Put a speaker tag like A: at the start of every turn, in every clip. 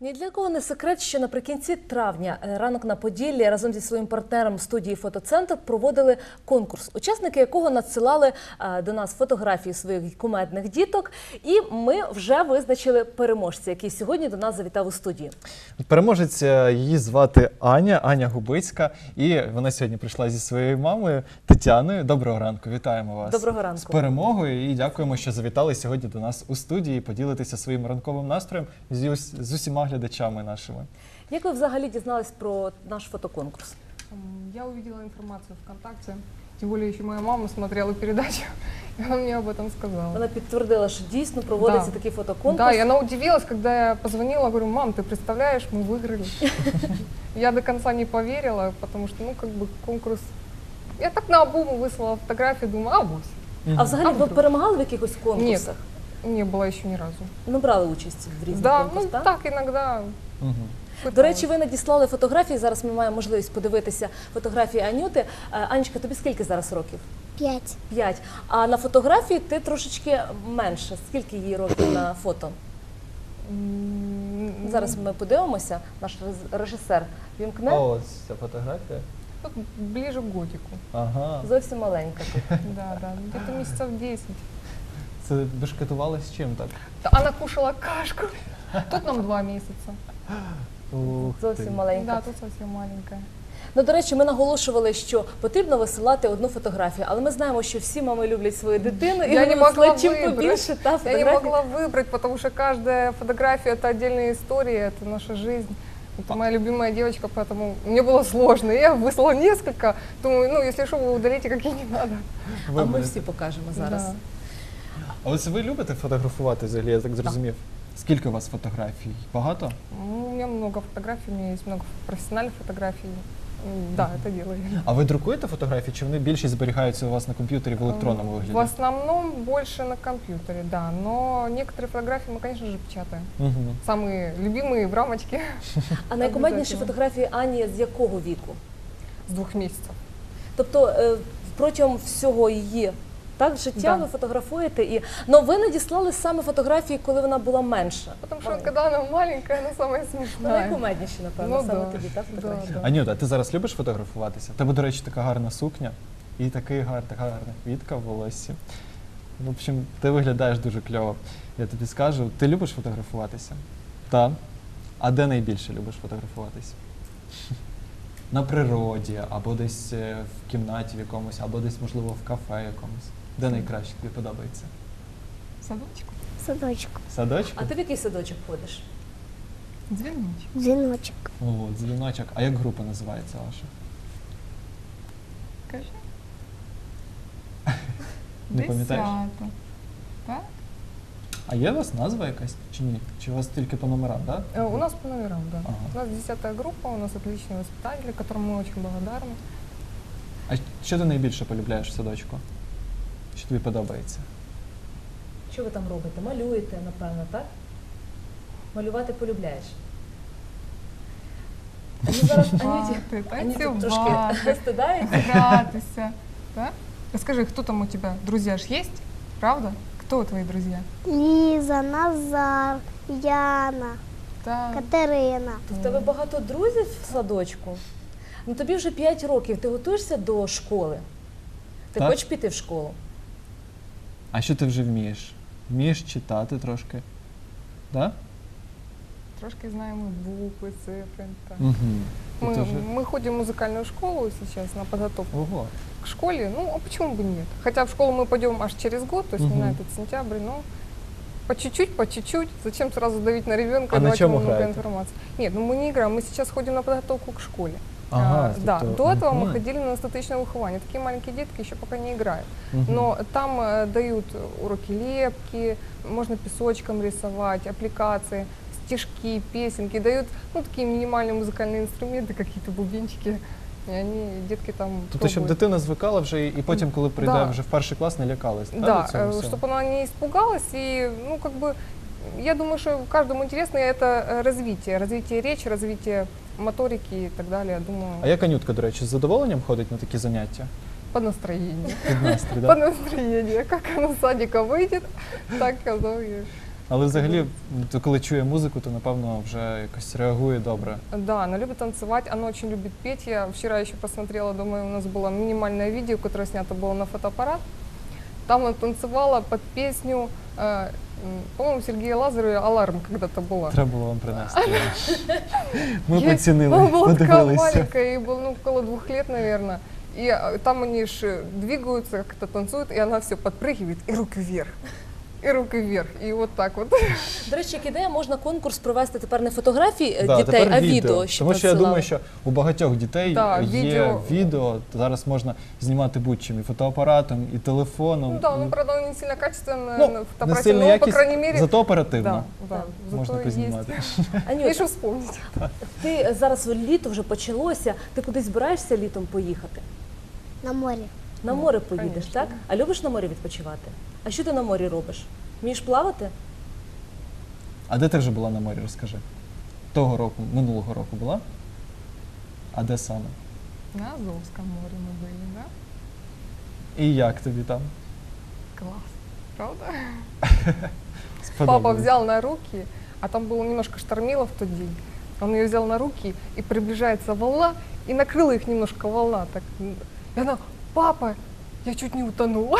A: Ні для кого не секрет, що наприкінці травня «Ранок на Поділлі» разом зі своїм партнером студії «Фотоцентр» проводили конкурс, учасники якого надсилали до нас фотографії своїх кумедних діток. І ми вже визначили переможця, який сьогодні до нас завітав у студію.
B: Переможець, її звати Аня Губицька, і вона сьогодні прийшла зі своєю мамою Тетяною. Доброго ранку, вітаємо вас.
A: Доброго ранку.
B: З перемогою і дякуємо, що завітали сьогодні до нас у студії поділитися своїм ранковим настроєм з усіма глядачами нашими.
A: Як ви взагалі дізнались про наш фотоконкурс?
C: Я увидела информацию ВКонтакте, тем более еще моя мама смотрела передачу, и она мне об этом сказала.
A: Вона підтвердила, що дійсно проводиться такий фотоконкурс.
C: Да, и она удивилась, когда я позвонила, говорю: мам, ты представляешь, мы выиграли. Я до конца не поверила, потому что, конкурс... Я так наобум выслала фотографии, думаю, авось.
A: А взагалі ви перемагали в якихось конкурсах?
C: Не было еще ни разу.
A: Ну, брали участь в різних
C: Да,
A: конкурсах, так?
C: так иногда.
A: До речі, ви надіслали фотографії, зараз ми маємо можливість подивитися фотографії Анюти. Анечка, тобі скільки зараз років?
D: 5.
A: 5. А на фотографії ти трошечки менше. Скільки їй років на фото? Зараз ми подивимося, наш режисер вімкне.
B: О, ця фотографія.
C: Тут ближе к годику.
B: Ага.
A: Зовсім маленька тут.
C: Да, где-то месяцев 10.
B: Це бешкетували з чим так?
C: Она кушала кашку. Тут нам 2 месяца.
B: Ух ти.
A: Зовсім маленька.
C: Да, тут совсем маленькая.
A: Ну, до речі, ми наголошували, що потрібно висилати одну фотографію, але ми знаємо, що всі мами люблять свою дитину, і
C: Я
A: вони
C: не могла
A: висилають чим
C: вибрати.
A: побільше та
C: Я
A: фотографій.
C: не могла выбрать, потому что каждая фотография – это отдельная история, это наша жизнь. Это моя любимая девочка, поэтому мне было сложно. Я выслала несколько. Думаю, если что, вы удалите, какие не надо.
A: А ми
B: Виберете.
A: всі покажемо зараз.
C: Да.
B: А ось ви любите фотографувати взагалі, я так зрозумів? Скільки у вас фотографій? Багато?
C: У меня много фотографий, у меня есть много профессиональных фотографий. Да, это делаю.
B: А ви друкуєте фотографії, чи вони більшість зберігаються у вас на комп'ютері в електронному
C: В
B: вигляді?
C: основном больше на компьютере, да. Но некоторые фотографии мы, конечно же, печатаем.
B: Угу.
C: Самые любимые в рамочке
A: А найкумедніші
C: Обов'язково.
A: фотографії Ані з якого віку?
C: с 2 месяцев.
A: Тобто протягом всього її життя
C: Да.
A: ви фотографуєте. Но ви надіслали саме фотографії, коли вона була менша.
C: Потому что когда она маленькая, она самая
A: Ну,
C: смешная.
A: найкумедніші, напевно,
C: Ну,
A: саме
C: да.
A: тобі, так, фотографії?
C: Да.
B: Анюта, а ти зараз любиш фотографуватися? У тебе, до речі, така гарна сукня і така гарна квітка в волоссі. В общем, ти виглядаєш дуже кльово. Я тобі скажу, ти любиш фотографуватися? Так. А де найбільше любиш фотографуватися? На природі, або десь в кімнаті в якомусь, або десь, можливо, в кафе якомусь. Де найкраще тобі подобається?
C: Садочку.
D: Садочку.
B: Садочку?
A: А ти в який садочок ходиш?
C: Звеночек.
D: Дзвіночок.
B: О, дзвіночок. А як група називається ваша?
C: Скажи.
B: Не пам'ятаєш?
C: Десята. Так?
B: А є у вас назва якась чи ні? Чи у вас тільки по номерам, так?
C: У нас по номерам, да.
B: Ага.
C: У нас 10-я группа, у нас отличные воспитатели, которым мы очень благодарны.
B: А що ти найбільше полюбляєш в садочку? Що тобі подобається?
A: Що ви там робите? Малюєте, напевно, так? Малювати полюбляєш? Ну, зараз Анюті трошки вистидається.
C: гратися. Да? Скажи, кто там у тебя? Друзья ж есть? Правда? Кто твои друзья?
D: Ліза, Назар, Яна,
C: Да.
D: Катерина.
A: В тебе багато друзів в садочку? Ну тобі вже 5 років, ти готуєшся до школи? Ти
B: Так.
A: хочеш піти в школу?
B: А що ти вже вмієш? Вмієш читати трошки? Так?
C: Трошки знаем и буквы, цифры. Так.
B: Угу.
C: Мы ходим в музыкальную школу сейчас на подготовку
B: Ого.
C: к школе. Ну, а почему бы нет? Хотя в школу мы пойдем аж через год, то есть не
B: Мгм.
C: на этот сентябрь, но по чуть-чуть. Зачем сразу давить на ребенка,
B: А на
C: давать
B: чем
C: ему много
B: играете?
C: информации? Нет, ну мы не играем, мы сейчас ходим на подготовку к школе.
B: Ага,
C: Да,
B: тобто,
C: до этого мы
B: мгм.
C: ходили на статичное выхование. Такие маленькие детки еще пока не играют.
B: Мгм.
C: Но там дают уроки лепки, можно песочком рисовать, аппликации, стишки, песенки. Дают такие минимальные музыкальные инструменты, какие-то бубенчики. И они, детки там
B: Тобто, щоб
C: пробуют.
B: дитина звикала вже і потім, коли прийде
C: Да.
B: вже в перший клас, не лякалась. так,
C: Да,
B: від цього всього?
C: чтобы она не испугалась. И, я думаю, что каждому интересно это развитие речи, развитие моторики и так далее. Я думаю,
B: А як Анютка, до речі, з задоволенням ходить на такі заняття?
C: по настроению.
B: Під настрій,
C: По
B: так?
C: настроению. Как она с садика выйдет, так оно и
B: Але взагалі, то коли чує музику, то напевно вже якось реагує добре.
C: Да, она любит танцевать, она очень любит петь. Я вчера еще посмотрела, думаю, у нас было минимальное видео, которое снято было на фотоаппарат. Там она танцевала под песню, по-моему, Сергея Лазарева «Аларм» когда-то была.
B: Треба було вам принести. Ми
C: Я-
B: поцінили,
C: Она была такая
B: подивилися.
C: маленькая, ей было около 2 лет, наверное. И там они ж двигаются, как-то танцуют, и она все подпрыгивает, и руки вверх. И руки вверх, и вот так вот.
A: До речі, як ідея, можна конкурс провести тепер не фотографії
B: Да,
A: дітей,
B: тепер
A: а відео. щоб
B: Тому що я
A: надсилали.
B: думаю, що у багатьох дітей
C: Да,
B: є відео. Зараз можна знімати будь-чим, і фотоапаратом, і телефоном.
C: Ну да, ну, правда, не сильно качественно,
B: Ну,
C: на
B: не
C: фотоаппарате,
B: сильно
C: но, по
B: якість,
C: крайней мере,
B: зато оперативно
C: да, да, зато
B: можна
C: есть.
B: познімати.
A: Анют,
C: Є що вспомнити.
A: ти зараз літо вже почалося, ти кудись збираєшся літом поїхати?
D: На море.
A: На море поїдеш,
C: конечно.
A: так? А любиш на морі відпочивати? А що ти на морі робиш? Вмієш плавати?
B: А де ти вже була на морі, розкажи? Того року, минулого року була? А де саме?
C: На Азовском море мы были, да?
B: І як тобі там?
C: Класс, правда?
B: Сподобалось?
C: Папа взял на руки, а там было немножко штормило в тот день. Он ее взял на руки, и приближается волна, и накрыла их немножко волна. Так. И она, папа, я чуть не утонула.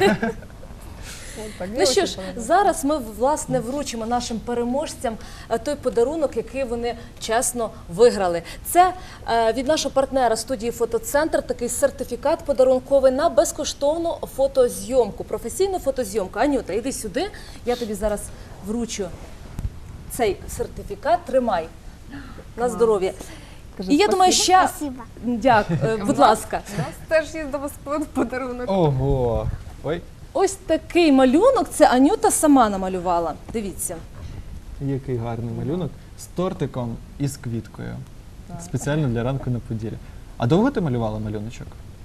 C: Вот так, мне
A: Ну що
C: очень
A: ж,
C: понравилось.
A: зараз ми власне вручимо нашим переможцям той подарунок, який вони чесно виграли. Це від нашого партнера студії «Фотоцентр» такий сертифікат подарунковий на безкоштовну фотозйомку, професійну фотозйомку. Анюта, іди сюди, я тобі зараз вручу цей сертифікат. Тримай на здоров'я.
C: Скажи
A: І я думаю, ще
D: Спасибо.
A: дякую, будь ласка.
C: У нас теж є до вас подарунок.
B: Ого! Ой,
A: Ось такий малюнок. Це Анюта сама намалювала. Дивіться.
B: який гарний малюнок з тортиком і з квіткою.
C: Так.
B: Спеціально для ранку на Поділлі. А довго ти малювала малюночок?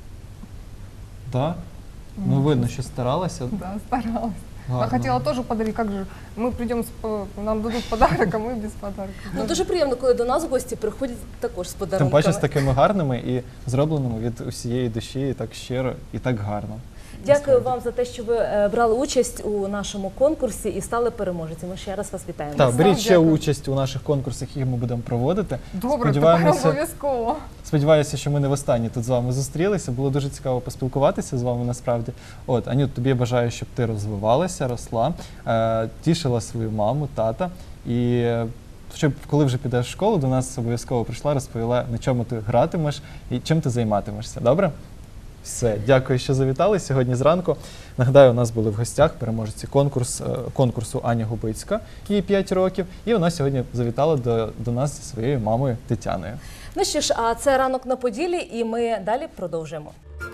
B: Так? Ну, видно, що старалася.
C: Да, старалась.
B: Гарно.
C: А хотела тоже подарить, как же, мы придем, нам дадут подарок, а мы без подарка.
A: Ну дуже приємно, коли до нас гості приходять також з
B: Тим
A: подарунками.
B: паче з такими гарними і зробленими від усієї душі, і так щиро, і так гарно.
A: Дякую вам за те, що ви брали участь у нашому конкурсі і стали переможцями. Ще раз вас вітаємо.
B: Так, беріть
C: Сам
B: ще
C: дякую.
B: участь у наших конкурсах, які ми будемо проводити.
C: Добре, тепер
B: Сподіваємося,
C: обов'язково.
B: сподіваюся, що ми не востаннє тут з вами зустрілися. Було дуже цікаво поспілкуватися з вами насправді. От, Анют, тобі я бажаю, щоб ти розвивалася, росла, тішила свою маму, тата. І щоб коли вже підеш в школу, до нас обов'язково прийшла, розповіла, на чому ти гратимеш і чим ти займатимешся. Добре? Все, дякую, що завітали сьогодні зранку. Нагадаю, у нас були в гостях переможці конкурсу Аня Губицька, їй 5 років, і вона сьогодні завітала до нас зі своєю мамою Тетяною.
A: Ну що ж, а це ранок на Поділлі, і ми далі продовжуємо.